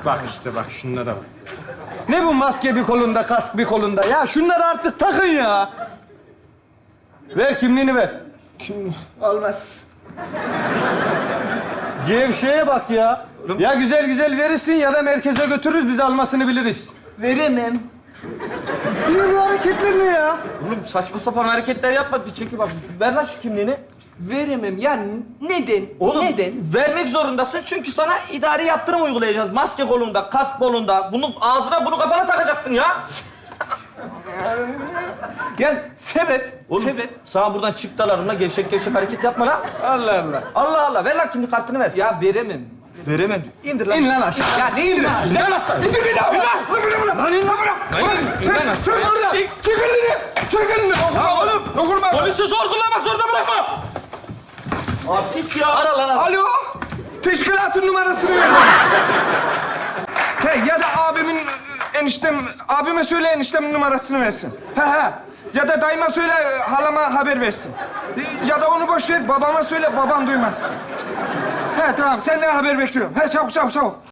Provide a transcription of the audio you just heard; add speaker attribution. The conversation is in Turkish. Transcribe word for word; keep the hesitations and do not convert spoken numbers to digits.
Speaker 1: Bak işte bak şunlara bak. Ne bu maske bir kolunda, kask bir kolunda? Ya şunları artık takın ya. Ver kimliğini ver. Kim? Olmaz. Gevşeye bak ya. Ya güzel güzel verirsin ya da merkeze götürürüz, biz almasını biliriz.
Speaker 2: Veremem.
Speaker 1: Ne bu hareketler ne ya?
Speaker 3: Oğlum saçma sapan hareketler yapma. Bir çekil bak. Ver lan şu kimliğini.
Speaker 2: Veremem. Ya neden?
Speaker 3: Oğlum
Speaker 2: Neden?
Speaker 3: vermek zorundasın çünkü sana idari yaptırım uygulayacağız. Maske kolunda, kask kolunda. Bunu ağzına, bunu kafana takacaksın ya.
Speaker 2: Yani sebep,
Speaker 3: Oğlum,
Speaker 2: sebep.
Speaker 3: sana buradan çift dalarımla gevşek gevşek hareket yapma lan.
Speaker 1: Allah Allah.
Speaker 3: Allah Allah. Ver lan kimlik kartını ver.
Speaker 2: Ya veremem.
Speaker 3: Veremem diyor.
Speaker 2: İndir lan.
Speaker 1: İn lan aşağı.
Speaker 2: Ya ne indir?
Speaker 3: İn lan aşağı.
Speaker 1: İndir beni abi. Lan in lan bırak.
Speaker 3: İn lan aşağı.
Speaker 1: Çık oradan. Çık elini. Çık elini.
Speaker 3: Ya oğlum.
Speaker 1: Dokunma.
Speaker 3: Polisi zor kullanmak zorunda bırakma. Artist ya.
Speaker 2: Ara lan ara.
Speaker 1: Alo. Teşkilatın numarasını ver bana. He, ya da abimin e, eniştem, abime söyle eniştemin numarasını versin. He he. Ya da dayıma söyle e, halama haber versin. E, Ya da onu boş ver babama söyle babam duymaz. He tamam senden haber bekliyorum. He çabuk çabuk çabuk.